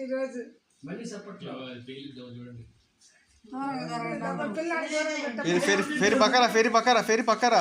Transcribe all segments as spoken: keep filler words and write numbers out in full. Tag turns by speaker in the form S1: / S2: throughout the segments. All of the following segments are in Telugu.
S1: ఈరోజు
S2: మళ్ళీ సపోర్ట్లో చూడండి.
S3: ఫేరి ఫేరి పక్కరా ఫేరి పక్కరా ఫేరి పక్కరా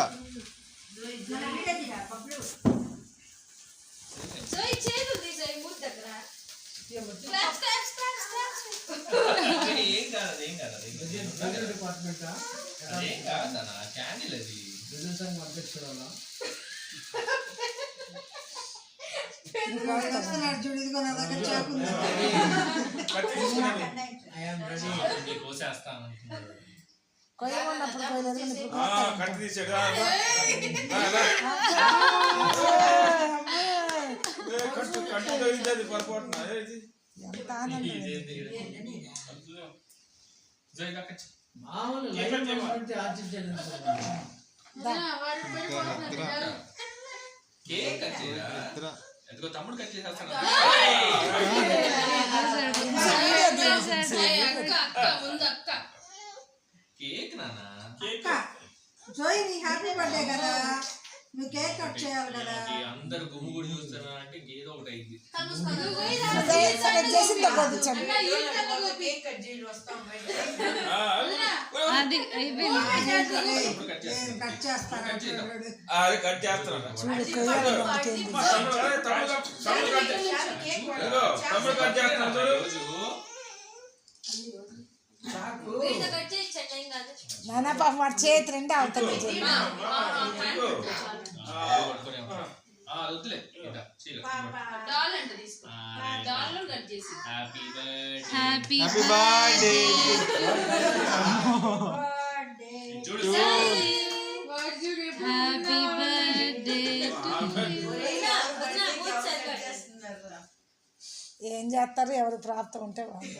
S4: తమ్ముడు కట్ చేసేస్తాను. కేక్ నానా
S1: జోయ్ నీ హ్యాపీ బర్త్డే కదా, నువ్వు కేక్ కట్ చేయాలి కదా.
S4: అందరు గుమ్ము గుడి చూస్తారా అంటే ఏదో ఒకటి అయింది.
S1: కట్ చేస్తాను
S5: కట్ చేస్తాను
S1: నాన్న పాప వాడి చేతి రెండే అవుతుంది.
S3: Happy birthday happy birthday.
S1: ఏం చేస్తారు, ఎవరు ప్రాప్తం ఉంటే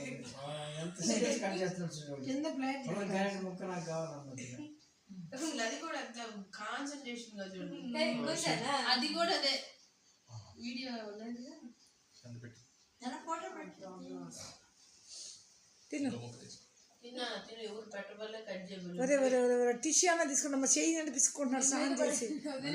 S6: అది కూడా అదే వీడియో
S1: టిష్యూ అన్న తీసుకుంటా చెయ్యి అంటే తీసుకుంటున్నాడు స్నానం చేసి.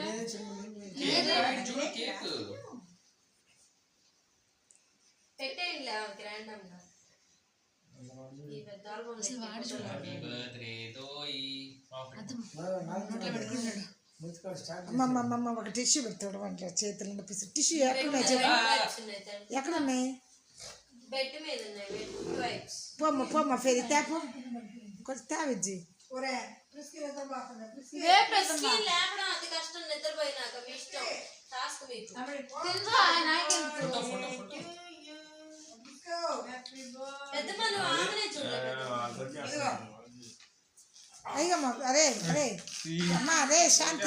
S1: అమ్మమ్మ ఒక టిష్యూ పెడతాడు వంట చేతులు పిసి. టిష్యూ ఎక్కడున్నాయి చెప్పు, ఎక్కడున్నాయి? పోమ్మ పోమ్మ ఫేరి తేపో కొంచెం తేవిజ్జి. అయ్యమ్మా అరే అరే అమ్మా అరే శాంతి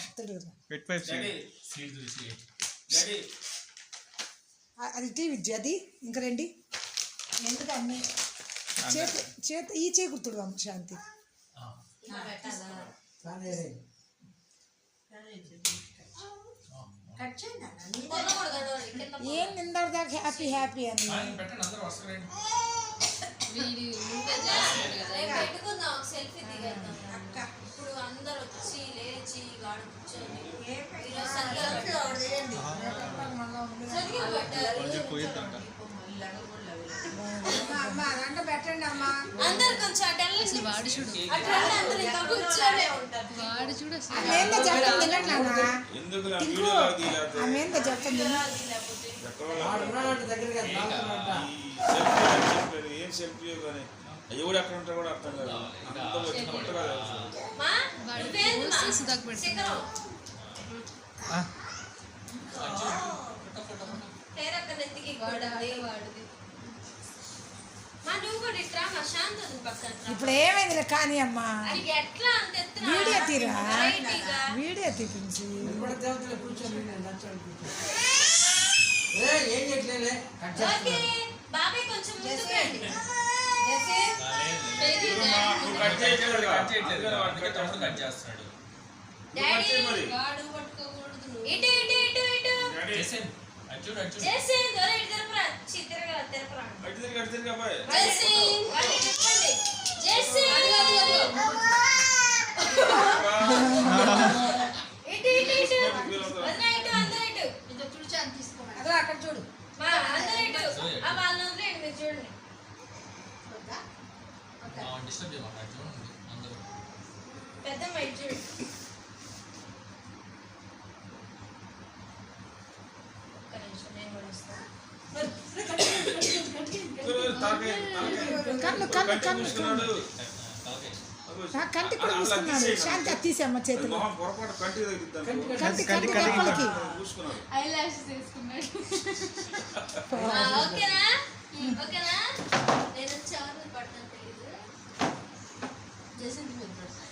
S1: అది టీవీ అది ఇంకా రండి. ఎందుకన్నీ చేతి చేతి ఈ చేయి గుర్తుడు అమ్మ శాంతి. ఏం నిందాడు దాకా హ్యాపీ హ్యాపీ అని
S6: ఇప్పుడు అందరు వచ్చి లేచి గాడు కూర్చొని అందరు కొంచెం వాడు చూడు వాడు చూడు
S1: చెప్తుంది.
S5: ఏం సెల్ఫీ కానీ అవి కూడా ఎక్కడ ఉంటారు కూడా అర్థం కాదు.
S1: ఇప్పుడు ఏమైంది కానీ అమ్మా వీడియో తీరా వీడియో తీపించి
S6: అక్కడ చూడు
S4: అదే మా అట్లా ఉంది అందరూ.
S6: పెద్ద మైట్ చూడు. ఒక్క నిమిషం నేను కూడా వస్తాను.
S5: తాకే తాకే
S1: కన్ను కన్ను కన్ను
S5: చూసుకున్నాడు
S4: ఓకే.
S1: ఆ, కంటి కూడా చూసుకున్నాడు. శాంతి అది తీసేమ్మ చేతిలో.
S5: మొహం పొరపాటు కంటి తగ్గిద్దాం
S1: కంటి కంటి లోపలికి.
S5: చూసుకున్నాడు
S6: ఐ లాషెస్ వేసుకున్నాడు. ఆ, ఓకేనా ఓకేనా నేను చార్లు పడతాను తెలీదు జసింది మీరు